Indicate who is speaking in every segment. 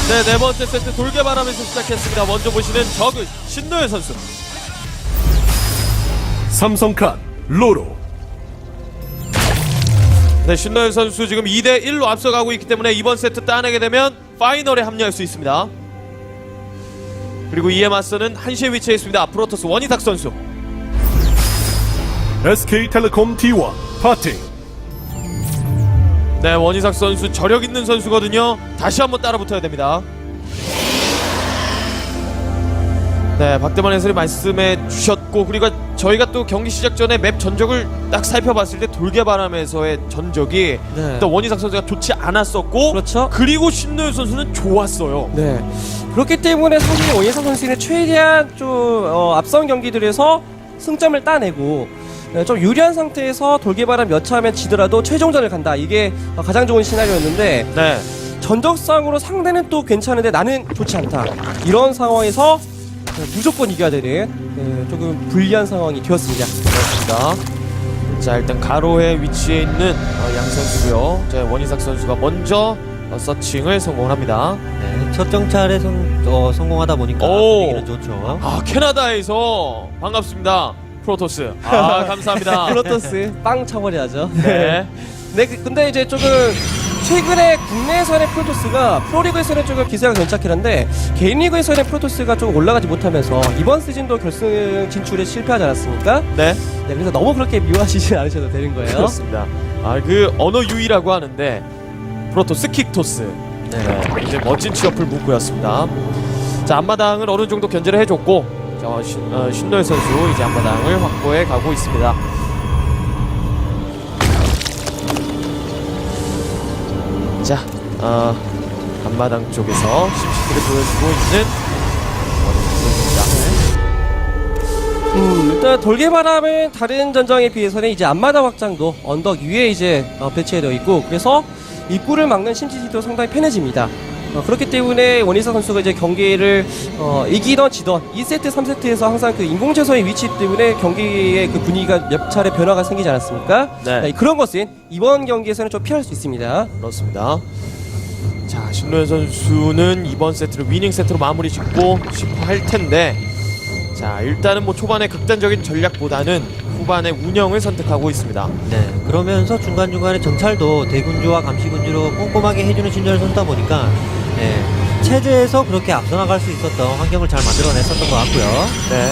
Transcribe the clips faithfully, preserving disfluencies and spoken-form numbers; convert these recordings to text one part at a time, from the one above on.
Speaker 1: 네, 네 번째 세트 돌개바람에서 시작했습니다. 먼저 보시는 적은 신노예 선수.
Speaker 2: 삼성칸 로로.
Speaker 1: 네, 신노예 선수 지금 이 대 일로 앞서가고 있기 때문에 이번 세트 따내게 되면 파이널에 합류할 수 있습니다. 그리고 이에 맞서는 한시에 위치해 있습니다. 프로토스 원희탁 선수.
Speaker 2: 에스케이텔레콤 티원 파팅.
Speaker 1: 네, 원희탁 선수 저력 있는 선수거든요. 다시 한번 따라붙어야 됩니다. 네, 박대만 해설이 말씀해 주셨고, 그리고 저희가 또 경기 시작 전에 맵 전적을 딱 살펴봤을 때 돌개바람에서의 전적이
Speaker 3: 네.
Speaker 1: 일단 원희탁 선수가 좋지 않았었고,
Speaker 3: 그렇죠.
Speaker 1: 그리고 신노현 선수는 좋았어요.
Speaker 3: 네. 그렇기 때문에 사실 원희상 선수는 최대한 좀 어, 앞선 경기들에서 승점을 따내고 네, 좀 유리한 상태에서 돌개바람 몇 차면 지더라도 최종전을 간다. 이게 어, 가장 좋은 시나리오였는데
Speaker 1: 네,
Speaker 3: 전적상으로 상대는 또 괜찮은데 나는 좋지 않다. 이런 상황에서 네, 무조건 이겨야 되는 네, 조금 불리한 상황이 되었습니다.
Speaker 1: 그렇습니다. 자, 일단 가로에 위치해 있는 어, 양 선수고요. 자, 원희탁 선수가 먼저 어, 서칭을 성공을 합니다.
Speaker 4: 네, 첫 정찰에 성, 어, 성공하다 보니까
Speaker 1: 오.
Speaker 4: 분위기는 좋죠.
Speaker 1: 아, 캐나다에서 반갑습니다. 프로토스. 아, 감사합니다.
Speaker 3: 플로터스 빵 쳐버려야죠.
Speaker 1: 네.
Speaker 3: 네, 그- 근데 이제 조금 최근에 국내에서의 프로토스가 프로리그에서는 조금 기세가 괜찮긴 한데 개인 리그에서는 프로토스가 좀 올라가지 못하면서 이번 시즌도 결승 진출에 실패하지 않았습니까?
Speaker 1: 네.
Speaker 3: 네, 그래서 너무 그렇게 미워하시지 않으셔도 되는 거예요.
Speaker 1: 그렇습니다. 아, 그 언어 유희라고 하는데 프로토스 킥토스. 네. 이제 멋진 취업을 문구였습니다. 자, 앞마당을 어느 정도 견제를 해줬고, 자, 신, 어, 신노예 선수 이제 앞마당을 확보해 가고 있습니다. 자, 어, 앞마당 쪽에서 심시티를 보여주고 있는 원희탁 선수입니다.
Speaker 3: 음, 일단 돌개바람은 다른 전장에 비해서는 이제 앞마당 확장도 언덕 위에 이제 어, 배치되어 있고 그래서 입구를 막는 심시티도 상당히 편해집니다. 어, 그렇기 때문에 원희사 선수가 이제 경기를 어, 이기던 지던 이 세트, 삼 세트에서 항상 그 인공채소의 위치 때문에 경기의 그 분위기가 몇 차례 변화가 생기지 않았습니까?
Speaker 1: 네.
Speaker 3: 네, 그런 것은 이번 경기에서는 좀 피할 수 있습니다.
Speaker 1: 그렇습니다. 자, 신노현 선수는 이번 세트를 위닝 세트로 마무리 짓고 싶어 할 텐데, 자, 일단은 뭐 초반에 극단적인 전략보다는 후반의 운영을 선택하고 있습니다.
Speaker 4: 네, 그러면서 중간중간에 정찰도 대군주와 감시군주로 꼼꼼하게 해주는 신전을 선다 보니까 네, 체제에서 그렇게 앞서 나갈 수 있었던 환경을 잘 만들어냈었던 것 같고요.
Speaker 1: 네.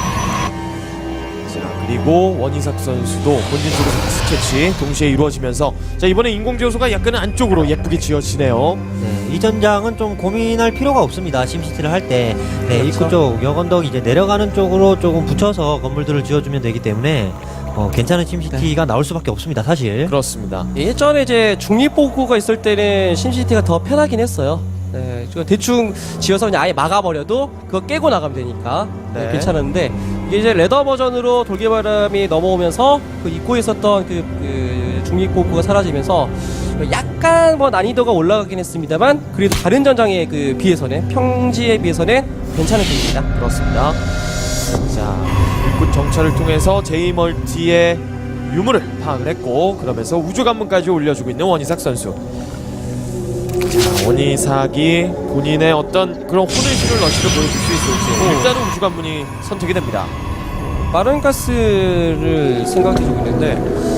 Speaker 1: 자, 그리고 원희삭 선수도 본진 쪽에서 스케치 동시에 이루어지면서, 자, 이번에 인공지어소가 약간 안쪽으로 예쁘게 지어지네요.
Speaker 4: 네, 이 전장은 좀 고민할 필요가 없습니다. 심시티를 할 때 네,
Speaker 3: 그렇죠.
Speaker 4: 입구 쪽 역언덕 이제 내려가는 쪽으로 조금 붙여서 건물들을 지어주면 되기 때문에 어, 괜찮은 심시티가 나올 수밖에 없습니다. 사실.
Speaker 1: 그렇습니다.
Speaker 3: 예전에 이제 중립보고가 있을 때는 심시티가 더 편하긴 했어요. 네, 저 대충 지어서 그냥 아예 막아버려도 그거 깨고 나가면 되니까 네,
Speaker 1: 네.
Speaker 3: 괜찮았는데 이게 이제 레더 버전으로 돌개바람이 넘어오면서 그 입고에 있었던 그, 그 중립보고가 사라지면서 약간 뭐 난이도가 올라가긴 했습니다만 그래도 다른 전장에 그 비해서는 평지에 비해서는 괜찮은 편입니다.
Speaker 1: 그렇습니다. 자, 일꾼 정찰을 통해서 제이멀티의 유무를 파악을 했고, 그러면서 우주관문까지 올려주고 있는 원희삭 선수. 자, 원희삭이 본인의 어떤 그런 혼을 실을 러시를 보여줄 수 있을지 일단은 우주관문이 선택이 됩니다.
Speaker 3: 빠른 가스를 생각해주고 있는데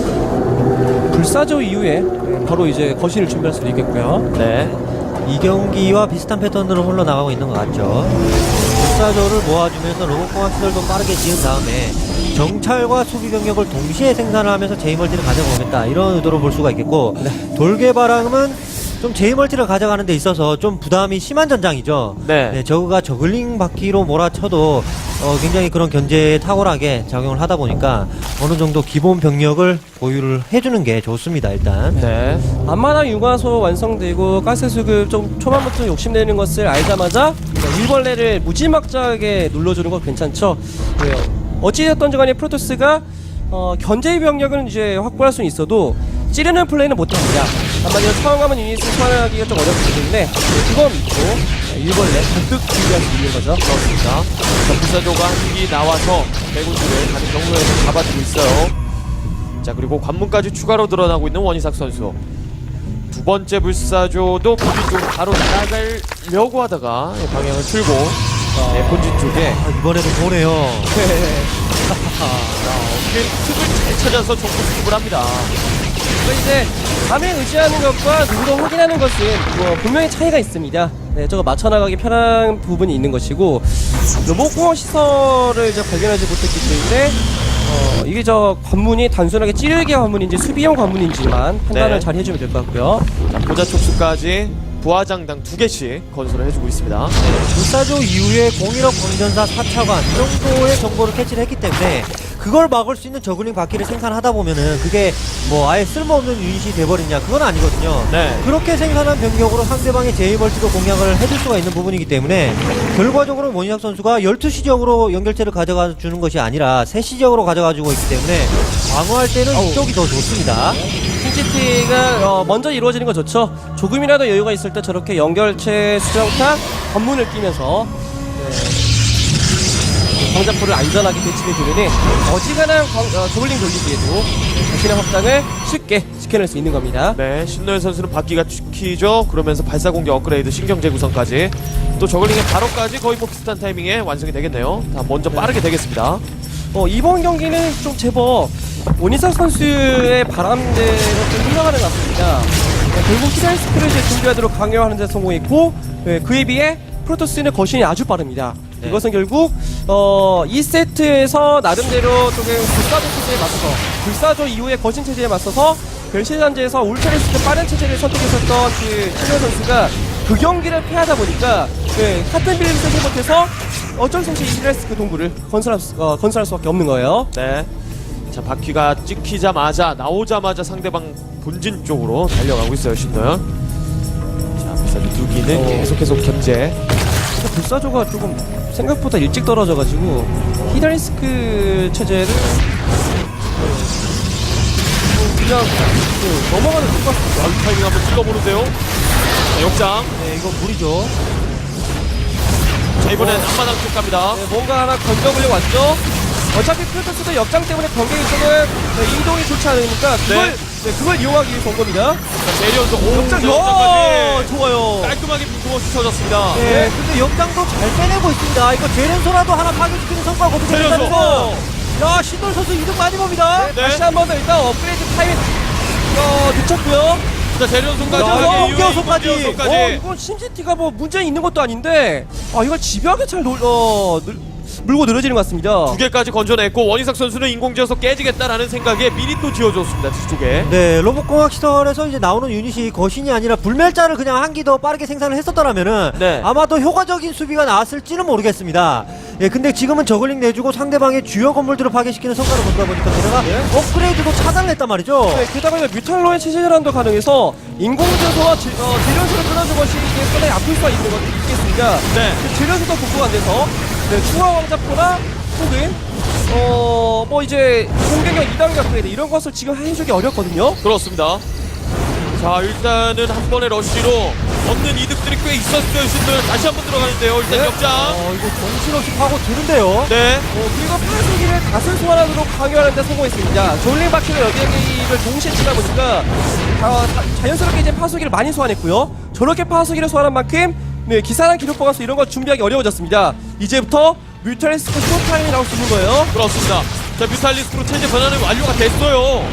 Speaker 3: 불사조 이후에 바로 이제 거신을 준비할 수도 있겠고요.
Speaker 1: 네.
Speaker 4: 이 경기와 비슷한 패턴으로 흘러나가고 있는 것 같죠. 불사조를 모아주면서 로봇공학 시설도 빠르게 지은 다음에 정찰과 수비 병력을 동시에 생산을 하면서 제이멀티를 가져오겠다 이런 의도로 볼 수가 있겠고 돌개바람은 좀 제이멀티를 가져가는 데 있어서 좀 부담이 심한 전장이죠.
Speaker 1: 네.
Speaker 4: 네, 저그가 저글링 바퀴로 몰아쳐도 어, 굉장히 그런 견제에 탁월하게 작용을 하다 보니까 어느 정도 기본 병력을 보유를 해주는 게 좋습니다. 일단.
Speaker 1: 네.
Speaker 3: 앞마당 융화소 완성되고 가스 수급 좀 초반부터 욕심내는 것을 알자마자 일벌레를 무지막지하게 눌러주는 건 괜찮죠. 네, 어찌됐든 간에 프로토스가 어, 견제 병력은 이제 확보할 수는 있어도 찌르는 플레이는 못합니다. 한마디로 처음가면 유닛을 소환하기가 좀 어렵기 때문에 그거 믿고 일벌레 잔뜩 준비할 수 있는 거죠.
Speaker 1: 그렇습니다. 자, 불사조가 한기 나와서 대군주를 가는 경로에서 잡아주고 있어요. 자, 그리고 관문까지 추가로 드러나고 있는 원희삭 선수. 두 번째 불사조도 본진 쪽으로 바로 나가려고 하다가 예, 방향을 틀고 네, 본진 쪽에
Speaker 4: 아, 이번에도 보네요.
Speaker 1: 어떻게 틈을 잘 찾아서 정보 수습을 합니다.
Speaker 3: 그래서 이제 감에 의지하는 것과 눈으로 확인하는 것은 뭐 분명히 차이가 있습니다. 네, 저거 맞춰나가기 편한 부분이 있는 것이고 로봇공학 시설을 이제 발견하지 못했기 때문에 어, 이게 저 관문이 단순하게 찌르기 관문인지 수비형 관문인지만 판단을
Speaker 1: 네.
Speaker 3: 잘 해주면 될 것 같고요.
Speaker 1: 자, 보자 촉수까지 부하장당 두 개씩 건설을 해주고 있습니다.
Speaker 4: 불사조 이후에 공일업 광전사 사 차관 이 정도의 정보를 캐치를 했기 때문에 그걸 막을 수 있는 저글링 바퀴를 생산하다 보면은 그게 뭐 아예 쓸모없는 유닛이 돼버리냐 그건 아니거든요.
Speaker 1: 네.
Speaker 4: 그렇게 생산한 병력으로 상대방의 제이멀티도 공략을 해줄 수가 있는 부분이기 때문에 결과적으로 원희삭 선수가 열두 시 지역으로 연결체를 가져가 주는 것이 아니라 세 시 지역으로 가져가지고 있기 때문에 방어할 때는 이쪽이 더 좋습니다.
Speaker 3: 킹치티가 어, 먼저 이루어지는 건 좋죠. 조금이라도 여유가 있을 때 저렇게 연결체 수정타 관문을 끼면서 광자포를 안전하게 배치해주면 어지간한 광, 어, 저글링 돌리기에도 자신의 확장을 쉽게 지켜낼 수 있는 겁니다.
Speaker 1: 네, 신노현 선수는 바퀴가 키죠. 그러면서 발사 공격 업그레이드, 신경 재구성까지 또 저글링의 바로까지 거의 뭐 비슷한 타이밍에 완성이 되겠네요. 다 먼저 빠르게 되겠습니다.
Speaker 3: 어, 이번 경기는 좀 제법 원희삭 선수의 바람대로 좀 흘러가는 것 같습니다. 네, 결국 히드라이스크를 이제 준비하도록 강요하는 데 성공했고 네, 그에 비해 프로토스는 거신이 아주 빠릅니다.
Speaker 1: 네.
Speaker 3: 이것은 결국 어, 이 세트에서 나름대로 조금 불사조 체제에 맞서서 불사조 이후에 거신 체제에 맞서서 별시단지에서 울트라리스크 빠른 체제를 선택했었던 그 신현 선수가 그 경기를 패하다 보니까 네, 같은 빌드를 쓰지 못해서 어쩔 수 없이 히드라리스크 동굴을 건설할, 수, 어, 건설할 수밖에 없는 거예요.
Speaker 1: 네. 자, 바퀴가 찍히자마자 나오자마자 상대방 본진 쪽으로 달려가고 있어요, 신노현. 자, 불사조 두 기는
Speaker 3: 어.
Speaker 1: 계속해서 견제.
Speaker 3: 근데 불사조가 조금 생각보다 일찍 떨어져가지고 히드라리스크 체제를 어, 그냥 그, 넘어가는 것 같습니다.
Speaker 1: 아, 이 타이밍 한번 찔러보는데요. 자, 역장.
Speaker 4: 네, 이거 무리죠.
Speaker 1: 자, 이번엔 앞마당 쪽 갑니다.
Speaker 3: 네, 뭔가 하나 건져보려고 왔죠. 어차피 프로토스도 역장 때문에 경계 이쪽은 네, 이동이 좋지 않으니까 그걸,
Speaker 1: 네.
Speaker 3: 네, 그걸 이용하기 위해서 온 겁니다.
Speaker 1: 자, 내려서 오,
Speaker 3: 역장,
Speaker 1: 자,
Speaker 3: 야,
Speaker 1: 역장까지
Speaker 3: 좋아요.
Speaker 1: 깔끔하게 빈틈없이 쳐졌습니다.
Speaker 4: 네, 근데 역장도 잘 빼내고 있습니다. 이거 제렌소라도 하나 파괴시키는 성과가 거두고
Speaker 1: 제렌소.
Speaker 4: 있다면서 야, 신돌 선수 이득 많이 봅니다.
Speaker 1: 네.
Speaker 3: 다시 한 번 더 일단 업그레이드 타이밍 어, 늦췄고요.
Speaker 1: 자, 재련송까지
Speaker 3: 야,
Speaker 1: 하게 이후에
Speaker 4: 이경소까지.
Speaker 1: 이경소까지.
Speaker 3: 어, 이건 심시티가 뭐 문제 있는 것도 아닌데 아 이걸 집요하게 잘 놀, 어, 늘, 물고 늘어지는 것 같습니다.
Speaker 1: 두 개까지 건져냈고 원희삭 선수는 인공지어서 깨지겠다라는 생각에 미리 또 지어줬습니다, 뒤쪽에.
Speaker 4: 네, 로봇공학 시설에서 이제 나오는 유닛이 거신이 아니라 불멸자를 그냥 한 기 더 빠르게 생산을 했었더라면은
Speaker 1: 네.
Speaker 4: 아마도 효과적인 수비가 나왔을지는 모르겠습니다. 예, 근데 지금은 저글링 내주고 상대방의 주요 건물들을 파괴시키는 성과를 거두다 보니까 게다가 업그레이드도 차단을 했단 말이죠.
Speaker 3: 네, 게다가 이제 뮤탈로의 체제 전환도 가능해서 인공지어서와 지- 어, 재련소를 끊어준 것이 이게 상당히 아플 수가 있는 것 있겠습니다.
Speaker 1: 네.
Speaker 3: 그 재련소도 복구가 안 돼서 네, 중화 왕자포나 혹은 어뭐 이제 공격력 이 단계 업그레이드 이런 것을 지금 해주기 어렵거든요.
Speaker 1: 그렇습니다. 자, 일단은 한 번의 러쉬로 얻는 이득들이 꽤 있었어요, 신들. 다시 한 번 들어가는데요. 일단
Speaker 3: 네.
Speaker 1: 역장.
Speaker 4: 어, 이거 정신없이 파고 드는데요.
Speaker 1: 네.
Speaker 3: 어, 그리고 파수기를 다수 소환하도록 강요하는 데 성공했습니다. 졸링 바퀴를 여기를 동시에 치다 보니까 다, 다, 자연스럽게 이제 파수기를 많이 소환했고요. 저렇게 파수기를 소환한 만큼 네, 기사랑 기록 보관소 이런 걸 준비하기 어려워졌습니다. 이제부터 뮤탈리스크 쇼타임이 나올 수 있는 거예요.
Speaker 1: 그렇습니다. 자, 뮤탈리스크로 체제 변화는 완료가 됐어요.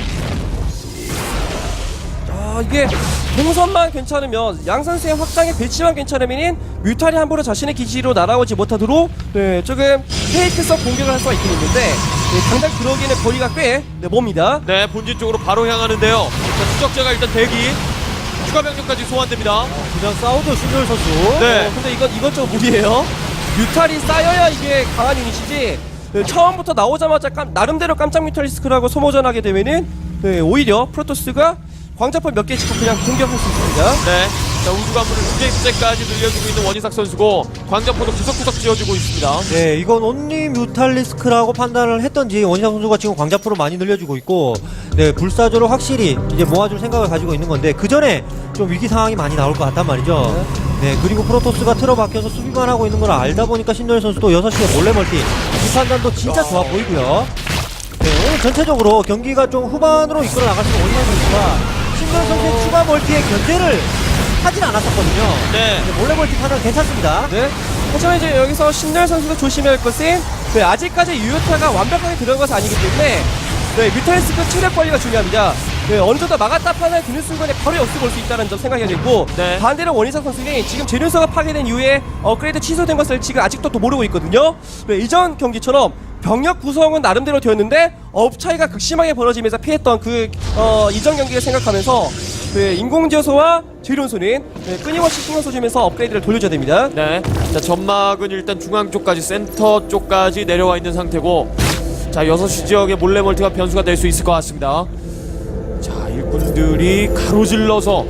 Speaker 3: 아 이게 동선만 괜찮으면 양산세의 확장의 배치만 괜찮으면 뮤탈이 함부로 자신의 기지로 날아오지 못하도록 네, 조금 페이크성 공격을 할 수가 있긴 있는데 네, 당장 그러기에는 거리가 꽤 네, 멉니다.
Speaker 1: 네, 본진 쪽으로 바로 향하는데요. 자, 추적자가 일단 대기. 추가 병력까지 소환됩니다.
Speaker 4: 그냥 싸우죠, 신돌 선수.
Speaker 1: 네.
Speaker 3: 어, 근데 이건 이건 좀 무리예요. 뮤탈이 쌓여야 이게 강한 유닛이지. 네, 처음부터 나오자마자 깜, 나름대로 깜짝 뮤탈리스크라고 소모전하게 되면은 네, 오히려 프로토스가 광자포 몇 개 짓고 그냥 공격할 수 있습니다.
Speaker 1: 네. 자, 우주관문을 두 개째까지 늘려주고 있는 원희삭 선수고 광자포도 구석구석 지어주고 있습니다.
Speaker 4: 네, 이건 온리 뮤탈리스크라고 판단을 했던지 원희삭 선수가 지금 광자포를 많이 늘려주고 있고, 네, 불사조를 확실히 이제 모아줄 생각을 가지고 있는 건데 그 전에 좀 위기 상황이 많이 나올 것 같단 말이죠. 네, 그리고 프로토스가 틀어박혀서 수비만 하고 있는 걸 알다 보니까 신도현 선수도 여섯 시에 몰래 멀티 이 판단도 진짜 좋아 보이고요. 네, 오늘 전체적으로 경기가 좀 후반으로 이끌어 나갈 수 있는 원희삭 선수가 신동 선수의 추가 멀티에 견제를 하진 않았었거든요.
Speaker 1: 네.
Speaker 4: 근데 몰래 멀티 판단 괜찮습니다.
Speaker 3: 네. 하지만 이제 여기서 신날 선수가 조심해야 할 것은 네, 아직까지 유효타가 완벽하게 들어간 것은 아니기 때문에 네, 뮤탈리스크 체력 관리가 중요합니다. 네, 어느 정도 막았다 판단을 드는 순간에 바로 역습 올 수 있다는 점 생각해야 되고
Speaker 1: 네.
Speaker 3: 반대로 원희상 선수는 지금 재련소가 파괴된 이후에 업그레이드 취소된 것을 지금 아직도 또 모르고 있거든요. 네, 이전 경기처럼 병력 구성은 나름대로 되었는데 업 차이가 극심하게 벌어지면서 피했던 그 어, 이전 경기를 생각하면서 네, 인공지어소와 재련소는 네, 끊임없이 신경 써주면서 업그레이드를 돌려줘야 됩니다.
Speaker 1: 네. 자, 점막은 일단 중앙 쪽까지 센터 쪽까지 내려와 있는 상태고, 자, 여섯 시 지역의 몰래 멀티가 변수가 될 수 있을 것 같습니다. 자, 일꾼들이 가로질러서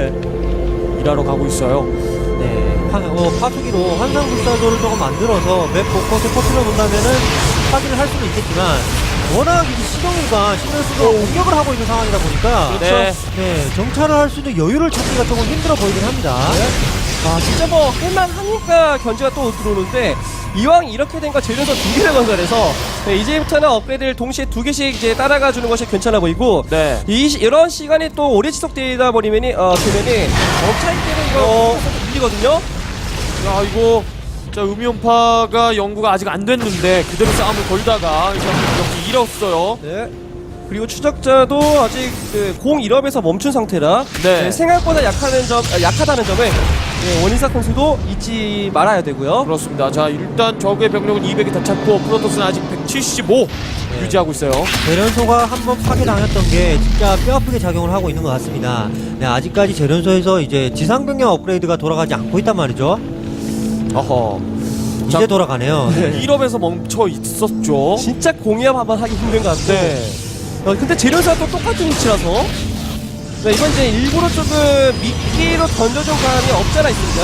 Speaker 1: 일하러 가고 있어요.
Speaker 4: 네, 파, 어, 파수기로 환상 불사조를 조금 만들어서 맵 곳곳에 퍼뜨려 본다면은 파기를 할 수는 있겠지만 워낙 이제 시동일과 신현수가 공격을 하고 있는 상황이다 보니까
Speaker 1: 네.
Speaker 4: 네, 정찰을 할 수 있는 여유를 찾기가 조금 힘들어 보이긴 합니다.
Speaker 3: 아 진짜 뭐 할만하니까 견제가 또 들어오는데 이왕 이렇게 된 거 재련소 두 개를 건설해서 네, 이제부터는 업그레이드를 동시에 두 개씩 이제 따라가 주는 것이 괜찮아 보이고
Speaker 1: 네.
Speaker 3: 이 시- 이런 시간이 또 오래 지속되다 버리면이 어 되면은 업차이 때는 이거
Speaker 1: 어.
Speaker 3: 밀리거든요.
Speaker 1: 야, 이거 자, 음이온파가 연구가 아직 안 됐는데 그대로 싸움을 걸다가 이제 이렇게 잃었어요.
Speaker 3: 네. 그리고 추적자도 아직 그 공 일 업에서 멈춘 상태라
Speaker 1: 네.
Speaker 3: 네, 생각보다 약하는 점 아, 약하다는 점을 네, 원희삭 선수도 잊지 말아야 되고요.
Speaker 1: 그렇습니다. 자, 일단 적의 병력은 이백이 다 찼고 프로토스는 아직 백칠십오 유지하고 있어요.
Speaker 4: 재련소가 한번 파괴당했던 게 진짜 뼈아프게 작용을 하고 있는 것 같습니다. 네, 아직까지 재련소에서 이제 지상병력 업그레이드가 돌아가지 않고 있단 말이죠.
Speaker 1: 어허.
Speaker 4: 이제
Speaker 1: 자,
Speaker 4: 돌아가네요.
Speaker 1: 일 업에서 멈춰 있었죠.
Speaker 3: 진짜 공이업 한번 하기 힘든 것 같고.
Speaker 1: 네.
Speaker 3: 어, 근데 재료사가 또 똑같은 위치라서. 네, 이건 이제 일부러 조금 미끼로 던져준 감이 없잖아 있습니다.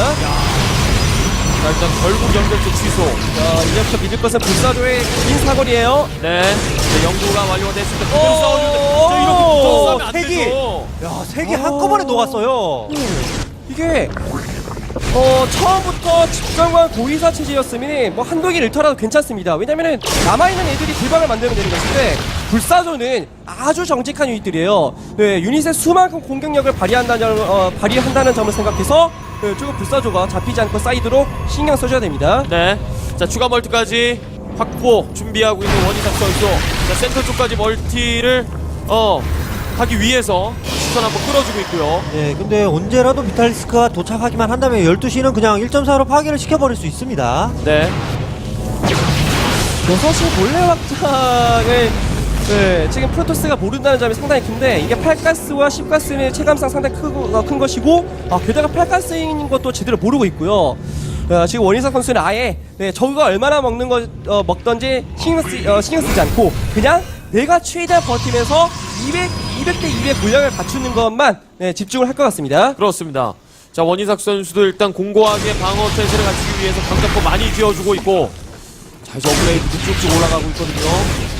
Speaker 1: 자, 일단 결국 연결체 취소.
Speaker 3: 자, 이제부터 믿을 것은 불사조의 긴 사거리예요.
Speaker 1: 네. 네, 연구가 완료가 됐을 때 그대로
Speaker 3: 오!
Speaker 1: 싸워주는데 저 이렇게 붙어 싸우면 안
Speaker 4: 색이!
Speaker 1: 되죠.
Speaker 4: 야, 색이 한꺼번에 녹았어요.
Speaker 3: 이게 어 처음부터 집정관 고의사 체제였으면 뭐 한두 길 잃더라도 괜찮습니다. 왜냐면은 남아있는 애들이 불방을 만들면 되는 것인데 불사조는 아주 정직한 유닛들이에요. 네, 유닛의 수만큼 공격력을 발휘한다는 점, 어, 발휘한다는 점을 생각해서 네, 조금 불사조가 잡히지 않고 쌓이도록 신경 써줘야 됩니다.
Speaker 1: 네. 자, 추가 멀티까지 확보 준비하고 있는 원희삭 선수. 자, 센터 쪽까지 멀티를 어 하기 위해서 시선 한번 끌어주고 있고요.
Speaker 4: 네, 근데 언제라도 비탈리스크가 도착하기만 한다면 열두 시는 그냥 일 점 사로 파괴를 시켜버릴 수 있습니다.
Speaker 1: 네.
Speaker 3: 여섯 시 몰래 확장을 네, 지금 프로토스가 모른다는 점이 상당히 큰데 이게 팔 가스와 십 가스는 체감상 상당히 크고, 어, 큰 것이고 아, 게다가 팔 가스인 것도 제대로 모르고 있고요. 어, 지금 원희삭 선수는 아예 네, 저그가 얼마나 먹는 거 어, 먹던지 신경, 쓰, 어, 신경 쓰지 않고 그냥 내가 최대한 버티면서 이백, 이백 대 이백 물량을 갖추는 것만 네, 집중을 할 것 같습니다.
Speaker 1: 그렇습니다. 자, 원희삭 선수도 일단 공고하게 방어 태세를 갖추기 위해서 강자포 많이 지어주고 있고, 자, 이제 업그레이드도 쭉쭉 올라가고 있거든요.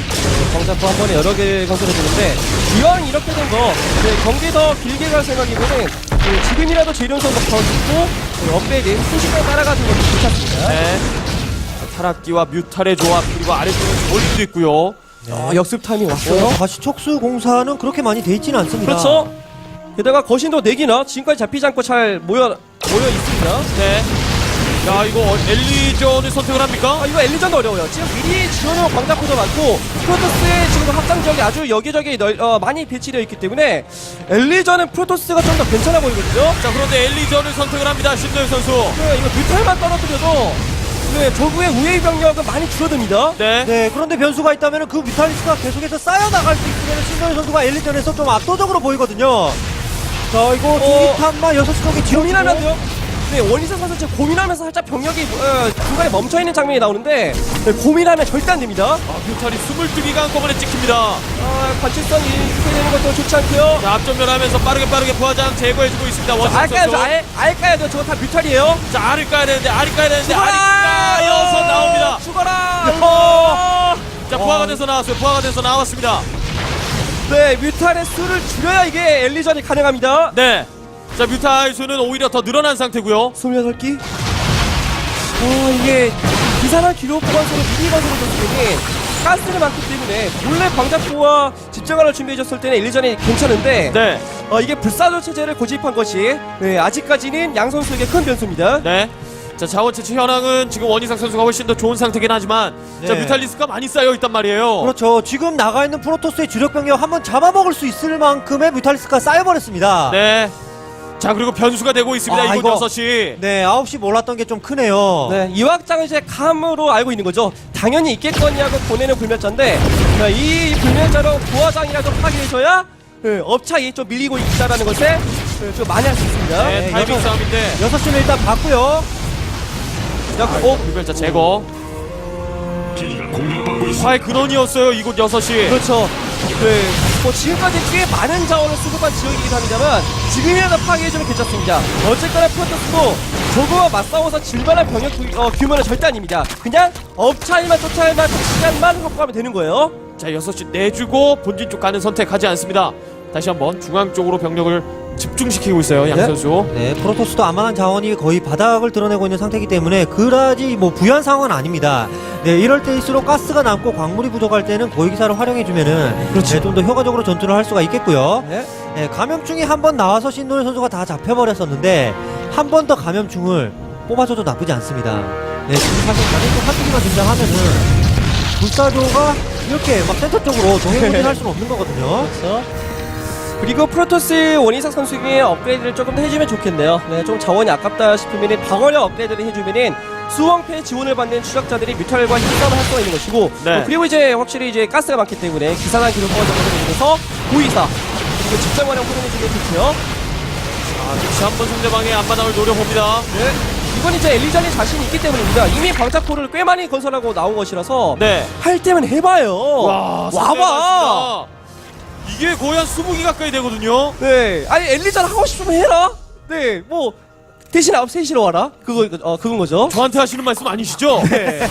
Speaker 3: 광자포 한 번에 여러 개 건설해주는데 이왕 이렇게 된 거 네, 경기 더 길게 갈 생각이면은 네, 지금이라도 재련선도 더 짓고 네, 업그레이드 순식간에 따라가는 것도 괜찮습니다.
Speaker 1: 네. 자, 타락기와 뮤탈의 조합, 그리고 아래쪽은 멀리도 있고요.
Speaker 3: 아, 역습 타임이 왔어요.
Speaker 4: 어, 다시 촉수 공사는 그렇게 많이 돼 있지는 않습니다.
Speaker 3: 그렇죠. 게다가 거신도 네 개나 지금까지 잡히지 않고 잘 모여 모여 있습니다.
Speaker 1: 네. 자, 이거 어, 엘리전을 선택을 합니까?
Speaker 3: 아, 이거 엘리전도 어려워요. 지금 미리 지원용 광자포도 많고 프로토스의 지금 확장 지역이 아주 여기저기 널, 어, 많이 배치되어 있기 때문에 엘리전은 프로토스가 좀 더 괜찮아 보이거든요.
Speaker 1: 자, 그런데 엘리전을 선택을 합니다. 신도현 선수.
Speaker 3: 네, 이거 뮤탈만 떨어뜨려도 네, 저구의 우회 병력은 많이 줄어듭니다.
Speaker 1: 네.
Speaker 4: 네, 그런데 변수가 있다면 그 뮤탈리스크가 계속해서 쌓여나갈 수 있으면 신동현 선수가 엘리전에서 좀 압도적으로 보이거든요. 자, 이거
Speaker 3: 어,
Speaker 4: 두기탄만 여섯 시 쪽에 지어주고
Speaker 3: 고민하면 돼요. 네, 원희사 선수 지금 고민하면서 살짝 병력이 어, 중간에 멈춰있는 장면이 나오는데 네, 고민하면 절대 안 됩니다.
Speaker 1: 아, 뮤탈이 스물두 기가 한꺼번에 찍힙니다.
Speaker 3: 아, 관측선 이렇게 되는 것도 좋지 않고요.
Speaker 1: 자, 앞전면하면서 빠르게 빠르게 부하장 제거해주고 있습니다.
Speaker 3: 자,
Speaker 1: 원희삭
Speaker 3: 알 까야죠.
Speaker 1: 선수.
Speaker 3: 알, 알 까야 돼요. 저거 다 뮤탈이에요.
Speaker 1: 자, 알을 까야 되는데, 알이 까야 되는데,
Speaker 3: 죽어라!
Speaker 1: 알이 까여서 나옵니다.
Speaker 3: 죽어라!
Speaker 1: 어. 자, 부하가
Speaker 3: 어.
Speaker 1: 돼서 나왔어요. 부하가 돼서 나왔습니다.
Speaker 3: 네, 뮤탈의 수를 줄여야 이게 엘리전이 가능합니다.
Speaker 1: 네. 자, 뮤탈 수는 오히려 더 늘어난 상태고요.
Speaker 3: 스물여덟 기? 어, 이게 기사나 기록 보관소로 미리 건설을 줬으니 가스를 많기 때문에 원래 광자포와 집정관을 준비해줬을 때는 일전이 괜찮은데
Speaker 1: 네.
Speaker 3: 어, 이게 불사조 체제를 고집한 것이 네, 아직까지는 양 선수에게 큰 변수입니다.
Speaker 1: 네. 자, 자원 채취 현황은 지금 원희삭 선수가 훨씬 더 좋은 상태긴 하지만 자,
Speaker 4: 네.
Speaker 1: 뮤탈리스크가 많이 쌓여 있단 말이에요.
Speaker 4: 그렇죠. 지금 나가 있는 프로토스의 주력 병력 한번 잡아먹을 수 있을 만큼의 뮤탈리스크가 쌓여버렸습니다.
Speaker 1: 네. 자, 그리고 변수가 되고 있습니다.
Speaker 4: 아,
Speaker 1: 이곳
Speaker 4: 이거-
Speaker 1: 여섯 시.
Speaker 4: 네, 아홉 시 몰랐던 게 좀 크네요.
Speaker 3: 네, 이 확장을 이제 감으로 알고 있는 거죠. 당연히 있겠거냐고 보내는 불멸자인데 네, 이 불멸자로 부화장이라도 파괴해줘야 네, 업차이 좀 밀리고 있다라는 것에 네, 좀 많이 할 수 있습니다.
Speaker 1: 네,
Speaker 4: 네,
Speaker 1: 타이밍
Speaker 4: 여섯-
Speaker 1: 싸움인데.
Speaker 4: 여섯 시는 일단 봤고요.
Speaker 3: 자,
Speaker 1: 어, 불멸자 제거. 화의 근원이었어요. 이곳 여섯 시.
Speaker 3: 그렇죠. 네, 뭐 지금까지 꽤 많은 자원을 수급한 지역이긴 합니다만 지금이라도 파괴해주면 괜찮습니다. 어쨌거나 프로토스도 저거와 맞싸워서 질만한 병력 구- 어, 규모는 절대 아닙니다. 그냥 업차이만 쫓아야만 시간만 확보하면 되는 거예요.
Speaker 1: 자, 여섯 시 내주고 본진 쪽 가는 선택하지 않습니다. 다시 한번 중앙 쪽으로 병력을 집중시키고 있어요. 양
Speaker 3: 네?
Speaker 1: 선수.
Speaker 4: 네, 프로토스도 안만한 자원이 거의 바닥을 드러내고 있는 상태이기 때문에 그다지 뭐 부유한 상황은 아닙니다. 네, 이럴 때일수록 가스가 남고 광물이 부족할 때는 고위기사를 활용해주면은 네, 좀 더 효과적으로 전투를 할 수가 있겠고요.
Speaker 3: 네.
Speaker 4: 네, 감염충이 한 번 나와서 신노현 선수가 다 잡혀버렸었는데 한 번 더 감염충을 뽑아줘도 나쁘지 않습니다. 네, 지금 사실 감염충 한두 개만 등장하면은 불사조가 이렇게 막 센터 쪽으로 동행군진할 수는 없는 거거든요.
Speaker 3: 그렇죠. 그리고 프로토스 원희삭 선수에게 업그레이드를 조금 더 해주면 좋겠네요. 네, 좀 자원이 아깝다 싶으면 방어력 업그레이드를 해주면은 수왕패 지원을 받는 추적자들이 뮤탈과 힘싸움을 할 수가 있는 것이고
Speaker 1: 네.
Speaker 3: 어, 그리고 이제 확실히 이제 가스가 많기 때문에 기사단 기록 꺼져서 고의사 그리고 직장관을 활용해주면 좋고요.
Speaker 1: 아, 다시 한번 상대방의 앞마당을 노려봅니다.
Speaker 3: 네. 이건 이제 엘리전이 자신이 있기 때문입니다. 이미 광자포를 꽤 많이 건설하고 나온 것이라서
Speaker 1: 네.
Speaker 3: 할 때면 해봐요.
Speaker 1: 와,
Speaker 3: 와봐.
Speaker 1: 이게 거의 한 스무 개 가까이 되거든요.
Speaker 3: 네, 아니 엘리전 하고 싶으면 해라. 네, 뭐 대신 아홉 세 시로 와라. 그거 어 그건 거죠.
Speaker 1: 저한테 하시는 말씀 아니시죠?
Speaker 3: 네.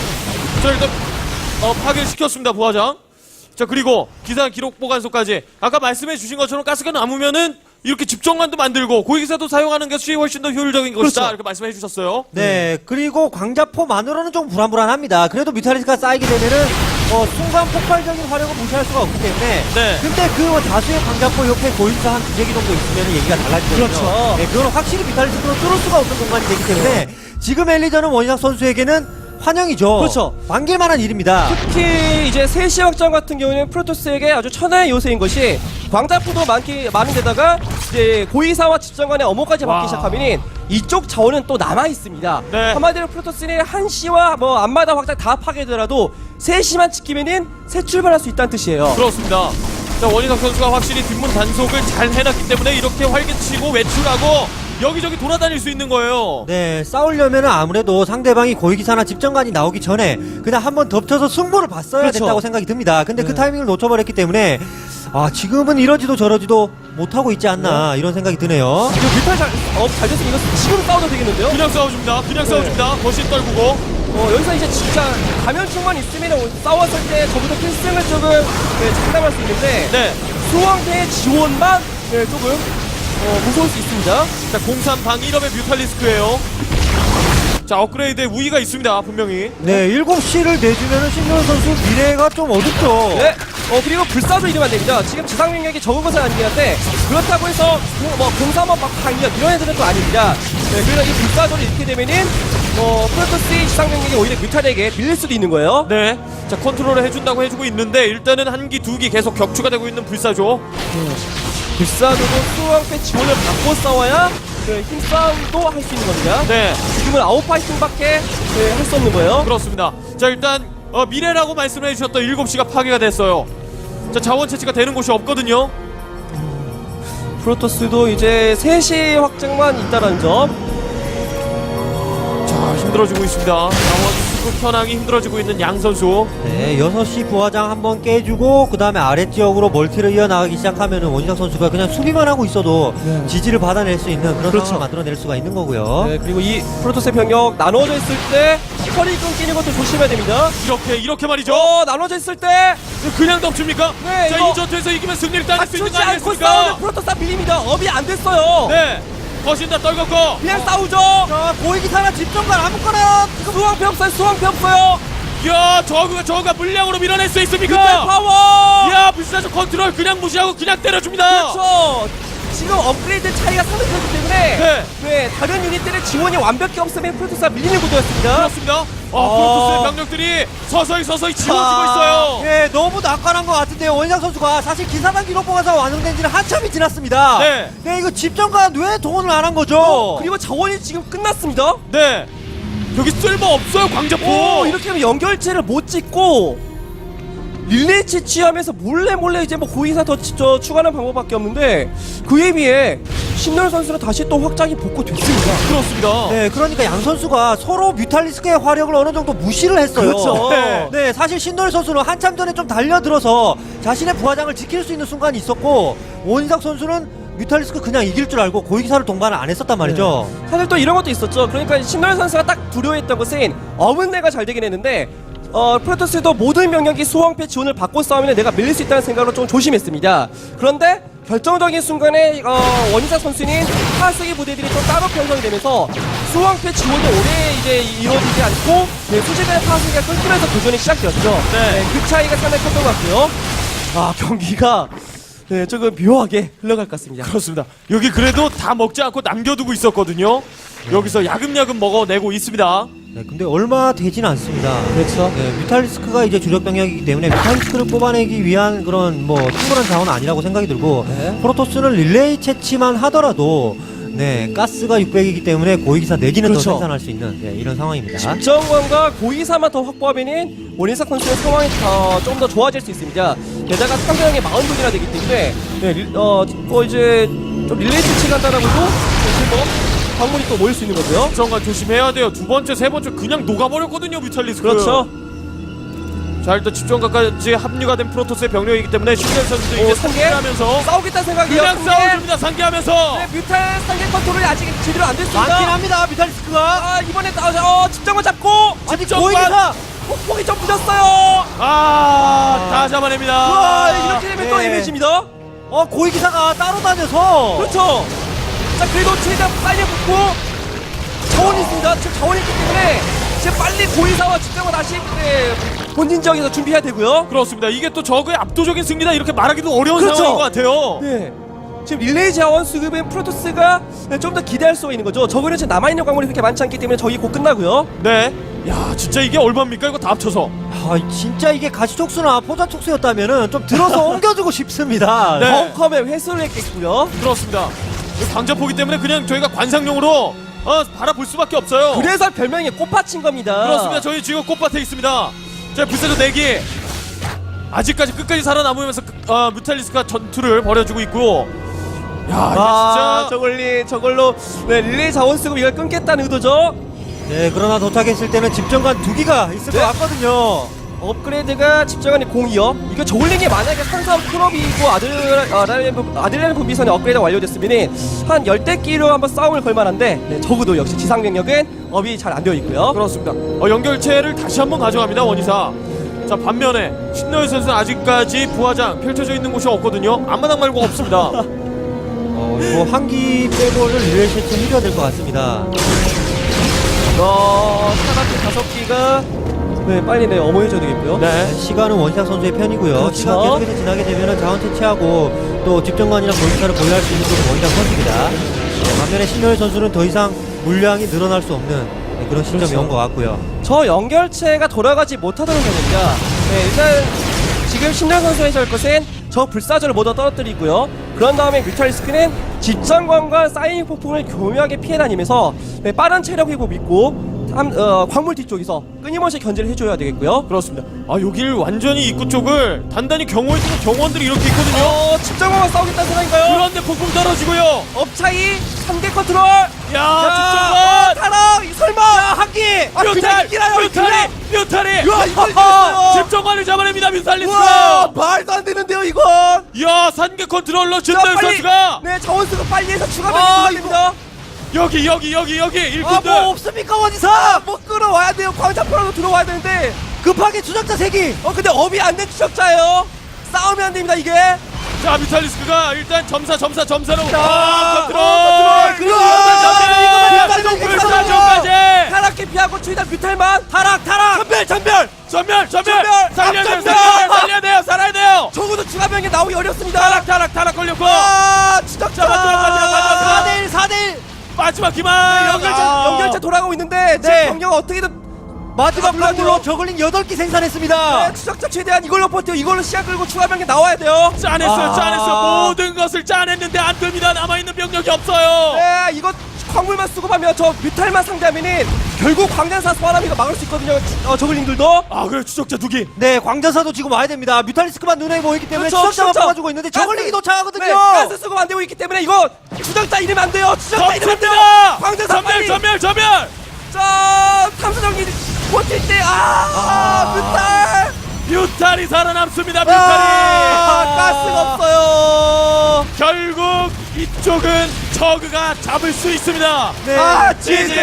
Speaker 1: 자, 일단 어, 파괴를 시켰습니다, 부하장. 자, 그리고 기사 기록 보관소까지 아까 말씀해 주신 것처럼 가스가 남으면은 이렇게 집정관도 만들고 고위기사도 사용하는 것이 훨씬 더 효율적인 것이다.
Speaker 3: 그렇죠.
Speaker 1: 이렇게 말씀해 주셨어요.
Speaker 4: 네, 그리고 광자포만으로는 좀 불안불안합니다. 그래도 뮤탈리스크가 쌓이게 되면은 어, 순간 폭발적인 화력을 무시할 수가 없기 때문에.
Speaker 1: 네.
Speaker 4: 근데 그 다수의 광자포 옆에 고위기사 한 두세 개 정도 있으면 얘기가 달라지거든요.
Speaker 3: 그렇죠.
Speaker 4: 네, 그건 확실히 뮤탈리스크로 뚫을 수가 없는 공간이 되기 때문에 지금 엘리전은 원희삭 선수에게는 환영이죠.
Speaker 3: 그렇죠.
Speaker 4: 반길만한 일입니다.
Speaker 3: 특히 이제 세 시 확장 같은 경우에는 프로토스에게 아주 천하의 요새인 것이 광자포도 많기 많은데다가 이제 고의사와 집정관의 어모까지
Speaker 1: 와.
Speaker 3: 받기 시작하면은 이쪽 자원은 또 남아 있습니다.
Speaker 1: 네.
Speaker 3: 한마디로 프로토스는 한 시와 뭐 앞마다 확장 다 파괴되더라도 세 시만 지키면은 새 출발할 수 있다는 뜻이에요.
Speaker 1: 그렇습니다. 자, 원희삭 선수가 확실히 뒷문 단속을 잘 해놨기 때문에 이렇게 활개치고 외출하고 여기저기 돌아다닐 수 있는 거예요.
Speaker 4: 네, 싸우려면은 아무래도 상대방이 고위기사나 집정관이 나오기 전에 그냥 한번 덮쳐서 승부를 봤어야
Speaker 3: 그렇죠.
Speaker 4: 됐다고 생각이 듭니다. 근데 그
Speaker 3: 네.
Speaker 4: 타이밍을 놓쳐버렸기 때문에 아, 지금은 이러지도 저러지도 못하고 있지 않나 이런 생각이 드네요.
Speaker 3: 이거 뮤탈 잘, 어, 잘 됐으면 이거 지금 싸워도 되겠는데요?
Speaker 1: 그냥 싸워줍니다. 그냥
Speaker 3: 네.
Speaker 1: 싸워줍니다. 거신 떨구고.
Speaker 3: 어, 여기서 이제 진짜 감염충만 있으면 싸웠을 때 저부터 필승을 조금 네, 장담할 수 있는데
Speaker 1: 네.
Speaker 3: 수왕패의 지원만 네, 조금 어, 무서울 수 있습니다.
Speaker 1: 자, 공삼 방 일 업의 뮤탈리스크예요. 자, 업그레이드에 우위가 있습니다. 분명히.
Speaker 4: 네, 일곱 시를 내주면은 신노현 선수 미래가 좀 어둡죠.
Speaker 3: 네. 어 그리고 불사조 이러면 안 됩니다. 지금 지상 능력이 적은 것은 아니긴 한데 그렇다고 해서 공, 뭐 공삼업 막 강력 이런 애들은 또 아닙니다. 네, 그래서 이 불사조를 잃게 되면은 어 프로토스의 지상 능력이 오히려 뮤탈에게 밀릴 수도 있는 거예요.
Speaker 1: 네. 자, 컨트롤을 해준다고 해주고 있는데 일단은 한 기, 두 기 계속 격추가 되고 있는 불사조.
Speaker 3: 불사조도 수왕패 지원을 받고 싸워야 그 힘싸움도 할 수 있는 겁니다.
Speaker 1: 네.
Speaker 3: 지금은 아웃파이팅밖에 네, 할 수 없는 거예요.
Speaker 1: 그렇습니다. 자, 일단 어, 미래라고 말씀해 주셨던 일곱 시가 파괴가 됐어요. 자, 자원 채취가 되는 곳이 없거든요.
Speaker 3: 프로토스도 이제 세 시 확장만 있다는 점.
Speaker 1: 자, 힘들어지고 있습니다. 자원 수급 현황이 힘들어지고 있는 양 선수.
Speaker 4: 네, 여섯 시 부화장 한번 깨주고 그 다음에 아랫지역으로 멀티를 이어나가기 시작하면은 원희삭 선수가 그냥 수비만 하고 있어도
Speaker 3: 네.
Speaker 4: 지지를 받아낼 수 있는 그런
Speaker 3: 그렇죠.
Speaker 4: 상황을 만들어낼 수가 있는 거고요.
Speaker 3: 네, 그리고 이 프로토스 병력 나눠져 있을 때 허리 끊기는 것도 조심해야 됩니다.
Speaker 1: 이렇게 이렇게 말이죠.
Speaker 3: 어, 나눠져 있을 때
Speaker 1: 그냥 덮칩니까?
Speaker 3: 네,
Speaker 1: 자,
Speaker 3: 이거-
Speaker 1: 이 전투에서 이기면 승리를 따낼 수 있는
Speaker 3: 맞추지
Speaker 1: 거
Speaker 3: 않고
Speaker 1: 아니겠습니까?
Speaker 3: 싸우는 프로토스 다 밀립니다. 업이 안 됐어요.
Speaker 1: 네. 거신 다 떨궜고.
Speaker 3: 그냥 싸우죠.
Speaker 4: 자, 고위기사나 집정관 아무거나
Speaker 3: 수왕패 없어요. 수왕패 없어요.
Speaker 1: 야, 저그가 저그가 물량으로 밀어낼 수 있습니까?
Speaker 3: 뮤탈 파워.
Speaker 1: 야, 불사조 컨트롤 그냥 무시하고 그냥 때려줍니다.
Speaker 3: 그렇죠. 지금 업그레이드 차이가 상당히 크기 때문에
Speaker 1: 네.
Speaker 3: 네, 다른 유닛들의 지원이 완벽히 없으면 프로토스가 밀리는 구도였습니다.
Speaker 1: 그렇습니다. 아,
Speaker 3: 어.
Speaker 1: 프로토스의 병력들이 서서히 서서히 지워지고 있어요.
Speaker 4: 예, 너무 낙관한 것 같은데요. 원희상 선수가 사실 기사단 기록보가서 완성된 지는 한참이 지났습니다.
Speaker 1: 네.
Speaker 4: 네, 이거 집정관 왜 동원을 안 한 거죠?
Speaker 3: 그리고 자원이 지금 끝났습니다.
Speaker 1: 네. 여기 쓸모 없어요, 광자포.
Speaker 3: 오, 이렇게 하면 연결체를 못 찍고 릴레이 채취하면서 몰래 몰래 이제 뭐 고의사 더 치- 저 추가하는 방법밖에 없는데 그에 비해 신노 선수는 다시 또 확장이 복구됐습니다.
Speaker 1: 그렇습니다.
Speaker 4: 네, 그러니까 양 선수가 서로 뮤탈리스크의 화력을 어느 정도 무시를 했어요.
Speaker 3: 그렇죠.
Speaker 1: 네.
Speaker 4: 네, 사실 신노일 선수는 한참 전에 좀 달려들어서 자신의 부하장을 지킬 수 있는 순간이 있었고 원희상 선수는 뮤탈리스크 그냥 이길 줄 알고 고위기사를 동반을 안 했었단 말이죠.
Speaker 3: 사실 또 이런 것도 있었죠. 그러니까 신노 선수가 딱 두려워했던 것은 어문내가 잘 되긴 했는데 어, 프로토스도 모든 병력이 수왕패 지원을 받고 싸우면 내가 밀릴 수 있다는 생각으로 좀 조심했습니다. 그런데 결정적인 순간에 어, 원희사 선수는 하수기 부대들이 또 따로 편성이 되면서 수왕패 지원이 오래 이제 이루어지지 않고 네, 수직의 하수기가 끊기면서 교전이 시작되었죠.
Speaker 1: 네.
Speaker 3: 그 차이가 상당히 컸던 것 같고요. 아 경기가 네, 조금 묘하게 흘러갈 것 같습니다.
Speaker 1: 그렇습니다. 여기 그래도 다 먹지 않고 남겨두고 있었거든요. 여기서 야금야금 먹어내고 있습니다.
Speaker 4: 네, 근데 얼마 되진 않습니다.
Speaker 3: 그렇죠.
Speaker 4: 네, 뮤탈리스크가 이제 주력 병력이기 때문에 뮤탈리스크를 뽑아내기 위한 그런 뭐 충분한 자원은 아니라고 생각이 들고
Speaker 3: 네.
Speaker 4: 프로토스는 릴레이 채취만 하더라도 네, 가스가 육백이기 때문에 고위기사 네 기는
Speaker 3: 그렇죠.
Speaker 4: 더 생산할 수 있는 네, 이런 상황입니다.
Speaker 3: 집정관과 고의사만 더 확보하면은 원인사 선수의 상황이 어, 좀 더 좋아질 수 있습니다. 게다가 상대방의 마흔 분이나 되기 때문에 네, 릴, 어, 뭐 이제 좀 릴레이 채취 간다라고도 사실 뭐 광물이 또 모일 수 있는 거고요.
Speaker 1: 정말 조심해야 돼요. 두 번째, 세 번째 그냥 녹아버렸거든요, 뮤탈리스크.
Speaker 3: 그렇죠.
Speaker 1: 자, 일단 집정관까지 합류가 된 프로토스의 병력이기 때문에 신경 선수도
Speaker 3: 오,
Speaker 1: 이제
Speaker 3: 상계?
Speaker 1: 상계하면서
Speaker 3: 싸우겠다는 생각이에요.
Speaker 1: 그냥
Speaker 3: 상계.
Speaker 1: 싸워줍니다. 상계하면서.
Speaker 3: 네, 뮤탈 상계 컨트롤이 아직 제대로 안 됐습니다.
Speaker 4: 많긴 합니다, 뮤탈리스크가.
Speaker 3: 아, 이번에 어, 어, 집정관 잡고
Speaker 4: 아니,
Speaker 1: 집정관!
Speaker 4: 고위기사.
Speaker 3: 폭폭이 좀 늦었어요.
Speaker 1: 아, 다 잡아냅니다.
Speaker 3: 와, 이렇게 되면 또
Speaker 4: 네.
Speaker 3: 애매해집니다.
Speaker 4: 어, 고위기사가 따로 다녀서.
Speaker 3: 그렇죠. 자, 그래도 최대한 빨리 붙고 자원이 있습니다. 지금 자원이 있기 때문에 지금 빨리 고의사와 직장을 다시 네, 본진 지역에서 준비해야 되고요.
Speaker 1: 그렇습니다. 이게 또 저그의 압도적인 승리다 이렇게 말하기도 어려운
Speaker 3: 그렇죠.
Speaker 1: 상황인 것 같아요.
Speaker 3: 네. 지금 릴레이 자원 수급은 프로토스가 좀 더 기대할 수가 있는 거죠. 저거는 지금 남아있는 광물이 그렇게 많지 않기 때문에 저기 곧 끝나고요.
Speaker 1: 네. 야, 진짜 이게 얼마입니까? 이거 다 합쳐서.
Speaker 4: 아, 진짜 이게 가시촉수나 포자촉수였다면은 좀 들어서 옮겨주고 싶습니다.
Speaker 1: 네.
Speaker 3: 벙커에 회수를 했겠고요.
Speaker 1: 그렇습니다. 이 광자포기 때문에 그냥 저희가 관상용으로 어, 바라볼 수밖에 없어요.
Speaker 3: 그래서 별명이 꽃밭인 겁니다.
Speaker 1: 그렇습니다. 저희 지금 꽃밭에 있습니다. 자, 불사조 네 개. 아직까지 끝까지 살아남으면서 어, 뮤탈리스크가 전투를 벌여주고 있고. 야, 이게
Speaker 3: 아,
Speaker 1: 진짜
Speaker 3: 저걸리, 저걸로 네, 릴레이 자원 수급 이걸 끊겠다는 의도죠.
Speaker 4: 네, 그러나 도착했을 때는 집정관 두 기가 있을
Speaker 3: 네.
Speaker 4: 것 같거든요.
Speaker 3: 업그레이드가 집정관이 공이요. 이거 저울링이 만약에 산삼 클럽이고 아들 아들레는 아들레는 분비선이 업그레이드가 완료됐으면 한 열대 끼로 한번 싸움을 걸 만한데 네, 적어도 역시 지상 병력은 업이 잘 안 되어 있고요.
Speaker 1: 그렇습니다. 어, 연결체를 다시 한번 가져갑니다. 원이사. 자, 반면에 신노일 선수는 아직까지 부하장 펼쳐져 있는 곳이 없거든요. 앞마당 말고 없습니다.
Speaker 4: 어, 이거 한기 빼고는 릴레이 세트 해줘야 될 것 같습니다.
Speaker 3: 어, 사각기 다섯 기가 네 빨리 네 어머해줘야 되겠고요.
Speaker 1: 네.
Speaker 4: 시간은 원시작 선수의 편이고요.
Speaker 3: 그렇죠.
Speaker 4: 시간 계속해서 지나게 되면 자원 채취하고 또 집정관이나 고위기사를 보유할 수 있는 쪽은 원시작 선수입니다. 네, 반면에 신노일 선수는 더 이상 물량이 늘어날 수 없는 네, 그런 시점이
Speaker 3: 그렇죠.
Speaker 4: 온 것 같고요.
Speaker 3: 저 연결체가 돌아가지 못하도록 됩니다. 네, 일단 지금 신장 선수의 할 것은 저 불사조를 모두 떨어뜨리고요. 그런 다음에 뮤탈리스크는 집장관과 사이닝 폭풍을 교묘하게 피해 다니면서 네, 빠른 체력 회복 믿고 함, 어, 광물 뒤쪽에서 끊임없이 견제를 해줘야 되겠고요.
Speaker 1: 그렇습니다. 아, 여길 완전히 입구 쪽을 단단히 경호해주는 경호원들이 이렇게 있거든요.
Speaker 3: 어, 집장관과 싸우겠다는 생각인가요?
Speaker 1: 그런데 폭풍 떨어지고요.
Speaker 3: 업차이 삼 개 컨트롤.
Speaker 1: 야,
Speaker 3: 어,
Speaker 1: 집정관!
Speaker 3: 타락 설마.
Speaker 4: 한기!
Speaker 3: 아, 그냥
Speaker 1: 뮤탈!
Speaker 3: 이기나요?
Speaker 1: 뮤탈이! 뮤탈이!
Speaker 3: 야, 이걸
Speaker 1: 하하! 집정관을 잡아냅니다, 뮤탈리스크!
Speaker 3: 와, 말도 안 되는데요, 이건.
Speaker 1: 야, 산계 컨트롤러
Speaker 3: 자,
Speaker 1: 신노일
Speaker 3: 빨리.
Speaker 1: 선수가
Speaker 3: 네, 자원수급 빨리 해서 추가
Speaker 4: 아,
Speaker 3: 변이 됩니다.
Speaker 1: 여기 여기 여기 여기
Speaker 4: 아,
Speaker 1: 일꾼들.
Speaker 4: 뭐 없습니까, 원시사?
Speaker 3: 아, 뭐 끌어와야 돼요. 광자포라도 들어와야 되는데.
Speaker 4: 급하게 추적자 세 기!
Speaker 3: 어, 근데 업이 안 된 추적자예요. 싸우면 안 됩니다, 이게.
Speaker 1: 자, 뮤탈리스크가 일단 점사 점사 점사로
Speaker 3: 자,
Speaker 1: 아, 컨트롤.
Speaker 3: 어, 컨트롤.
Speaker 1: 불사조
Speaker 3: 이거만
Speaker 1: 불사조까지.
Speaker 3: 타락해 피하고 최대한 뮤탈만.
Speaker 4: 타락, 타락!
Speaker 3: 전멸, 전멸.
Speaker 1: 자, 살려야 돼요. 살려야 돼요. 살아야 돼요.
Speaker 3: 적어도 추가 병력 나오기 어렵습니다.
Speaker 1: 타락 타락 타락 걸렸고.
Speaker 3: 아, 추적자
Speaker 1: 마지막 마지막 마지막
Speaker 4: 사 대 일 사 대 일
Speaker 1: 마지막 기만.
Speaker 3: 연결체
Speaker 1: 아.
Speaker 3: 연결체 돌아가고 있는데 지금
Speaker 4: 네.
Speaker 3: 병력 어떻게든
Speaker 4: 마지막
Speaker 3: 물러나요.
Speaker 4: 판으로 저글링 여덟 기 생산했습니다.
Speaker 3: 네, 추적자 최대한 이걸로 버텨. 이걸로 시야 끌고 추가 병력 나와야 돼요.
Speaker 1: 짜냈어요.
Speaker 3: 아.
Speaker 1: 짜냈어요. 모든 것을 짜냈는데 안 됩니다. 남아 있는 병력이 없어요.
Speaker 3: 네, 이거 광물만 수급하면 저 뮤탈만 상대하면은 결국 광전사 소환함이가 막을 수 있거든요. 어, 저글링들도.
Speaker 1: 아 그래 추적자 두 기.
Speaker 4: 네, 광전사도 지금 와야 됩니다. 뮤탈리스크만 눈에 보이기 때문에
Speaker 3: 그렇죠,
Speaker 4: 추적자만
Speaker 3: 추적자.
Speaker 4: 뽑아주고 있는데 저글링이
Speaker 3: 가스-
Speaker 4: 도착하거든요.
Speaker 3: 네, 가스 수급 안 되고 있기 때문에 이거 추적자 이름 안 돼요. 추적자 이름 안 돼요.
Speaker 1: 덮칩니다.
Speaker 3: 광전사
Speaker 1: 전멸
Speaker 3: 빨리.
Speaker 1: 전멸 전멸.
Speaker 3: 자, 탐사정기 버틸 때 아, 뮤탈.
Speaker 1: 뮤탈이 살아남습니다. 뮤탈이.
Speaker 3: 아, 가스가 없어요.
Speaker 1: 결국 이쪽은 저그가 잡을 수 있습니다.
Speaker 4: 네.
Speaker 3: 아,
Speaker 1: 지지.
Speaker 3: 지지.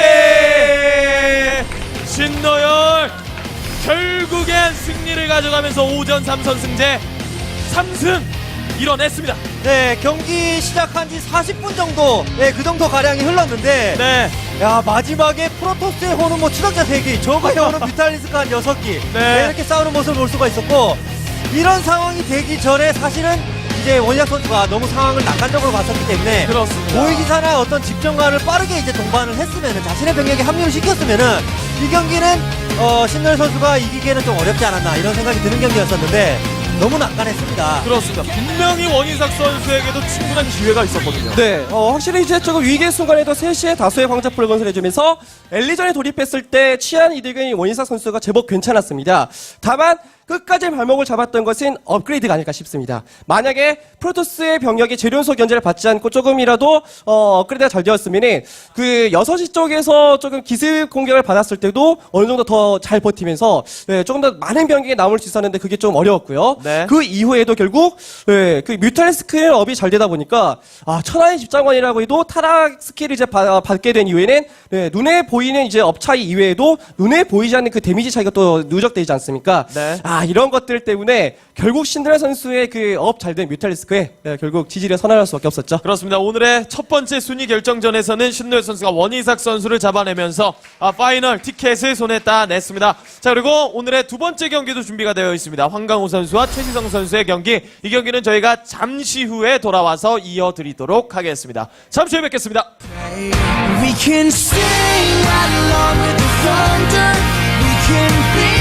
Speaker 1: 신노열 결국엔 승리를 가져가면서 오전 삼 선 승제 삼 승 이뤄냈습니다.
Speaker 4: 네, 경기 시작한 지 사십 분 정도, 네, 그 정도 가량이 흘렀는데,
Speaker 1: 네.
Speaker 4: 야, 마지막에 프로토스의 호는 뭐 추적자 세 기, 저거의 호는 뮤탈리스크 한 여섯 기, 네, 이렇게 싸우는 모습을 볼 수가 있었고, 이런 상황이 되기 전에 사실은 이제 원희락 선수가 너무 상황을 낙관적으로 봤었기 때문에,
Speaker 1: 그렇습니다.
Speaker 4: 모의기사나 어떤 집정관을 빠르게 이제 동반을 했으면은, 자신의 병력에 합류를 시켰으면은, 이 경기는, 어, 신노열 선수가 이기기에는 좀 어렵지 않았나, 이런 생각이 드는 경기였었는데, 너무 낙관했습니다.
Speaker 1: 그렇습니다. 분명히 원희삭 선수에게도 충분한 기회가 있었거든요.
Speaker 3: 네, 어, 확실히 이제 조금 위기의 순간에도 세 시에 다수의 광자포를 건설해주면서 엘리전에 돌입했을 때 취한 이득은 원희삭 선수가 제법 괜찮았습니다. 다만 끝까지 발목을 잡았던 것은 업그레이드가 아닐까 싶습니다. 만약에 프로토스의 병력이 재련소 견제를 받지 않고 조금이라도 어, 업그레이드가 잘 되었으면은 그 여섯 시 쪽에서 조금 기습 공격을 받았을 때도 어느 정도 더 잘 버티면서 네, 조금 더 많은 병력이 남을 수 있었는데 그게 좀 어려웠고요.
Speaker 1: 네.
Speaker 3: 그 이후에도 결국 네, 그 뮤탈리스크의 업이 잘 되다 보니까 아, 천하의 집장관이라고 해도 타락 스킬을 이제 받, 받게 된 이후에는 네, 눈에 보이는 이제 업 차이 이외에도 눈에 보이지 않는 그 데미지 차이가 또 누적되지 않습니까?
Speaker 1: 네.
Speaker 3: 아, 이런 것들 때문에 결국 신드라 선수의 그 업 잘 된 뮤탈리스크에 네, 결국 지지를 선언할 수밖에 없었죠.
Speaker 1: 그렇습니다. 오늘의 첫 번째 순위 결정전에서는 신노열 선수가 원희삭 선수를 잡아내면서 아, 파이널 티켓을 손에 따냈습니다. 자, 그리고 오늘의 두 번째 경기도 준비가 되어 있습니다. 황강호 선수와 최지성 선수의 경기. 이 경기는 저희가 잠시 후에 돌아와서 이어드리도록 하겠습니다. 잠시 후에 뵙겠습니다.
Speaker 5: We can sing right along with the thunder. We can be